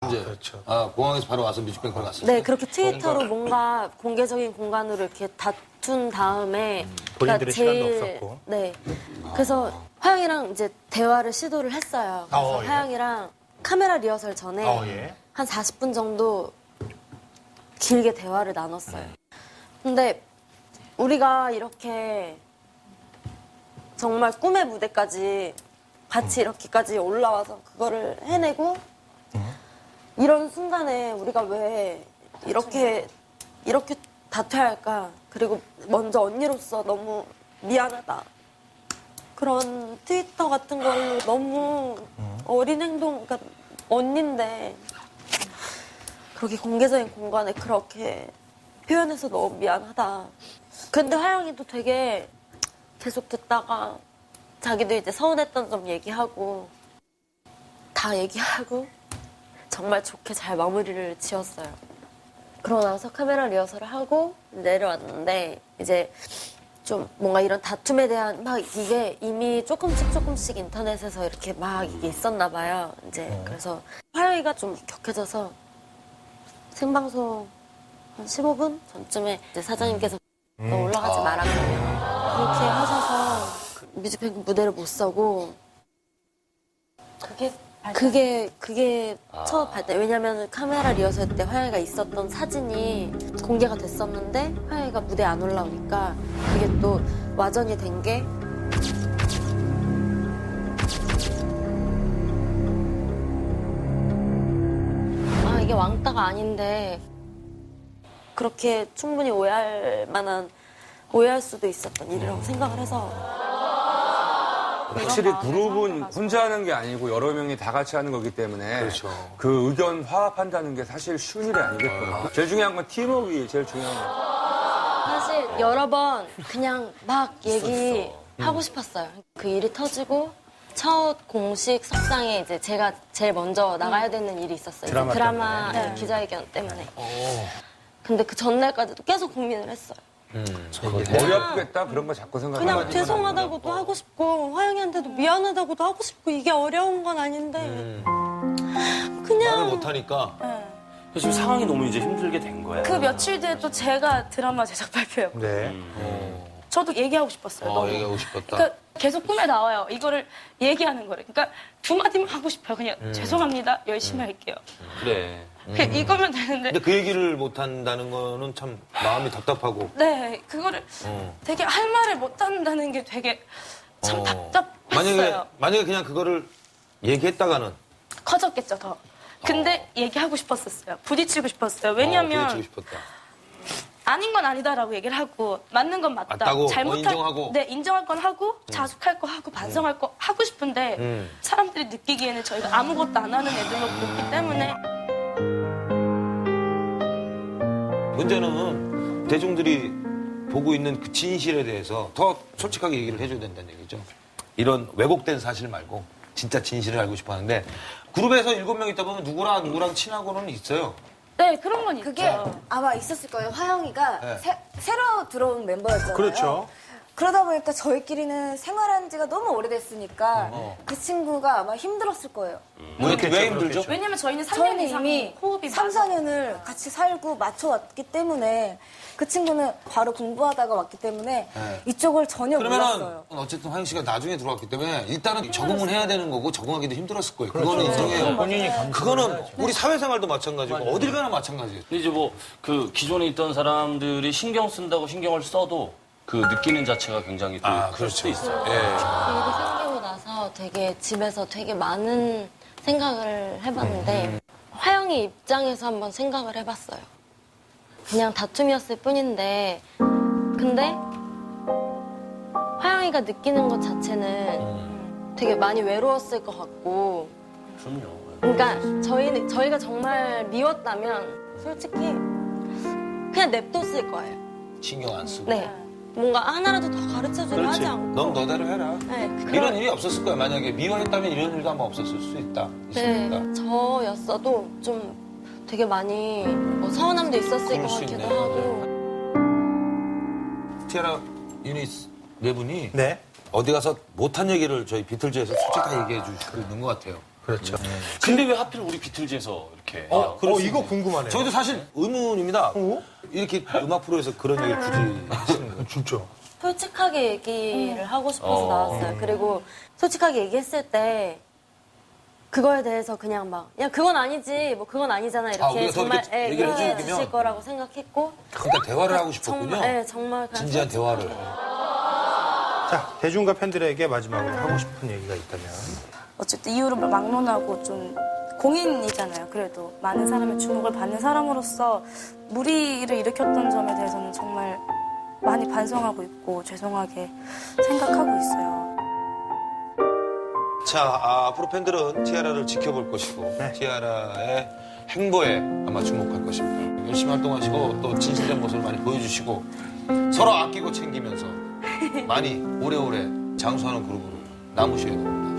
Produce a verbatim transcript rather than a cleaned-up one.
이제 그렇죠. 아, 공항에서 바로 와서 뮤직뱅크로 갔어요. 네, 그렇게 트위터로 뭔가 공개적인 공간으로 이렇게 다툰 다음에 음, 본인들의 시간도 없었고. 네. 그래서 화영이랑 이제 대화를 시도를 했어요. 그래서 어, 예. 화영이랑 카메라 리허설 전에 어, 예. 한 사십 분 정도 길게 대화를 나눴어요. 근데 우리가 이렇게 정말 꿈의 무대까지 같이 이렇게까지 올라와서 그거를 해내고 이런 순간에 우리가 왜 이렇게 이렇게 다퉈야 할까? 그리고 먼저 언니로서 너무 미안하다. 그런 트위터 같은 걸로 너무 어린 행동, 그러니까 언니인데 그렇게 공개적인 공간에 그렇게 표현해서 너무 미안하다. 근데 하영이도 되게 계속 듣다가 자기도 이제 서운했던 점 얘기하고 다 얘기하고 정말 좋게 잘 마무리를 지었어요. 그러고 나서 카메라 리허설을 하고 내려왔는데 이제 좀 뭔가 이런 다툼에 대한 막 이게 이미 조금씩 조금씩 인터넷에서 이렇게 막 이게 있었나 봐요. 이제 그래서 화영이가 좀 격해져서 생방송 한 십오 분 전쯤에 이제 사장님께서 너 올라가지 마라 그러면 그렇게 하셔서 뮤직뱅크 무대를 못 서고 그게 그게 그게 첫 발단. 왜냐면 카메라 리허설 때 화영이가 있었던 사진이 공개가 됐었는데 화영이가 무대에 안 올라오니까 그게 또 와전이 된 게 아 이게 왕따가 아닌데 그렇게 충분히 오해할 만한 오해할 수도 있었던 일이라고 생각을 해서 확실히 그룹은 혼자 하는 게 아니고 여러 명이 다 같이 하는 거기 때문에 그렇죠. 그 의견 화합한다는 게 사실 쉬운 일이 아니겠구나. 제일 중요한 건 팀워크가 제일 중요한 거. 사실 여러 번 그냥 막 얘기하고 싶었어요. 그 일이 터지고 첫 공식 석상에 이제 제가 제일 먼저 나가야 되는 일이 있었어요. 드라마 드라마 때문에. 기자회견 때문에. 근데 그 전날까지도 계속 고민을 했어요. 음, 머리 아프겠다 그런 거 자꾸 생각하는 그냥 죄송하다고도 하고 싶고 화영이한테도 미안하다고도 하고 싶고 이게 어려운 건 아닌데 말을 그냥 못하니까 지금 상황이 너무 이제 힘들게 된 거야. 그 며칠 뒤에 또 제가 드라마 제작 발표였고 네. 저도 얘기하고 싶었어요. 어, 너무. 얘기하고 싶었다. 그러니까 계속 꿈에 나와요. 이거를 얘기하는 거를. 그러니까 두 마디만 하고 싶어요. 그냥 죄송합니다. 열심히 할게요. 그래. 그냥 이거면 되는데 근데 그 얘기를 못한다는 거는 참 마음이 답답하고. 네 그거를 어. 되게 할 말을 못한다는 게 되게 참 어. 답답했어요. 만약에, 만약에 그냥 그거를 얘기했다가는. 커졌겠죠 더. 근데 얘기하고 싶었었어요. 부딪히고 싶었어요. 어, 왜냐면 부딪히고 싶었다. 아닌 건 아니다라고 얘기를 하고 맞는 건 맞다. 맞다고? 어, 잘못할 인정하고? 네 인정할 건 하고 자숙할 거 하고 반성할 거 하고 싶은데 음. 사람들이 느끼기에는 저희가 아무것도 안 하는 애들로 보기 때문에 문제는 대중들이 보고 있는 그 진실에 대해서 더 솔직하게 얘기를 해줘야 된다는 얘기죠. 이런 왜곡된 사실 말고 진짜 진실을 알고 싶어 하는데 그룹에서 일곱 명 있다 보면 누구랑 누구랑 친하고는 있어요. 네 그런 건 그게 있죠. 아마 있었을 거예요. 화영이가 네. 새, 새로 들어온 멤버였잖아요. 그렇죠. 그러다 보니까 저희끼리는 생활한 지가 너무 오래됐으니까 어. 그 친구가 아마 힘들었을 거예요. 왜, 왜 힘들죠? 왜냐면 저희는 삼 년 저희는 이상 이미 호흡이 삼, 맞아요. 사 년을 같이 살고 맞춰왔기 때문에 그 친구는 바로 공부하다가 왔기 때문에 네. 이쪽을 전혀 그러면은 몰랐어요. 어쨌든 화영 씨가 나중에 들어왔기 때문에 일단은 적응은 해야 되는 거고 적응하기도 힘들었을 거예요. 그거는 인정해요. 본인이 그거는 우리 사회생활도 마찬가지고 어딜 가나 마찬가지예요. 근데 이제 뭐 그 기존에 있던 사람들이 신경 쓴다고 신경을 써도 그 느끼는 자체가 굉장히 또 아, 클 수도 있어요. 예. 일이 생기고 나서 되게 집에서 되게 많은 생각을 해봤는데 화영이 입장에서 한번 생각을 해봤어요. 그냥 다툼이었을 뿐인데 근데 화영이가 느끼는 것 자체는 되게 많이 외로웠을 것 같고 그럼요. 그러니까 저희는 저희가 정말 미웠다면 솔직히 그냥 냅뒀을 거예요. 신경 안 쓰고. 네. 뭔가 하나라도 더 가르쳐주려 하지 않고. 넌 너대로 해라. 네, 그런- 이런 일이 없었을 거야. 만약에 미워했다면 이런 일도 아마 없었을 수 있다. 네, 있습니다. 저였어도 좀 되게 많이 뭐 서운함도 있었을 그럴 것 수 같기도 있네. 하고. 티아라 유닛 네 분이 네. 어디 가서 못한 얘기를 저희 비틀즈에서 솔직하게 얘기해 주시고 있는 것 같아요. 그렇죠. 근데 왜 하필 우리 비틀즈에서 이렇게 어, 어, 그럴 수 이거 있네. 궁금하네요. 저희도 사실 의문입니다. 어? 이렇게 음악 프로에서 그런 얘기를 굳이 하시는 거예요. 진짜. 솔직하게 얘기를 하고 싶어서 어. 나왔어요. 그리고 솔직하게 얘기했을 때 그거에 대해서 그냥 막, 야, 그건 아니지, 뭐, 그건 아니잖아. 아, 이렇게 우리가 더 정말, 이렇게 예, 얘기를 이해해 해주면 주실 거라고 생각했고. 그러니까 대화를 하고 싶었군요. 정말, 예, 정말. 그냥 진지한 대화를. 자, 대중과 팬들에게 마지막으로 하고 싶은 얘기가 있다면. 어쨌든 이유를 막론하고 좀 공인이잖아요. 그래도 많은 사람의 주목을 받는 사람으로서 무리를 일으켰던 점에 대해서는 정말 많이 반성하고 있고 죄송하게 생각하고 있어요. 자, 아, 앞으로 팬들은 티아라를 지켜볼 것이고, 네. 티아라의 행보에 아마 주목할 것입니다. 열심히 활동하시고, 또 진실된 모습을 많이 보여주시고, 서로 아끼고 챙기면서 많이 오래오래 장수하는 그룹으로 남으셔야 됩니다.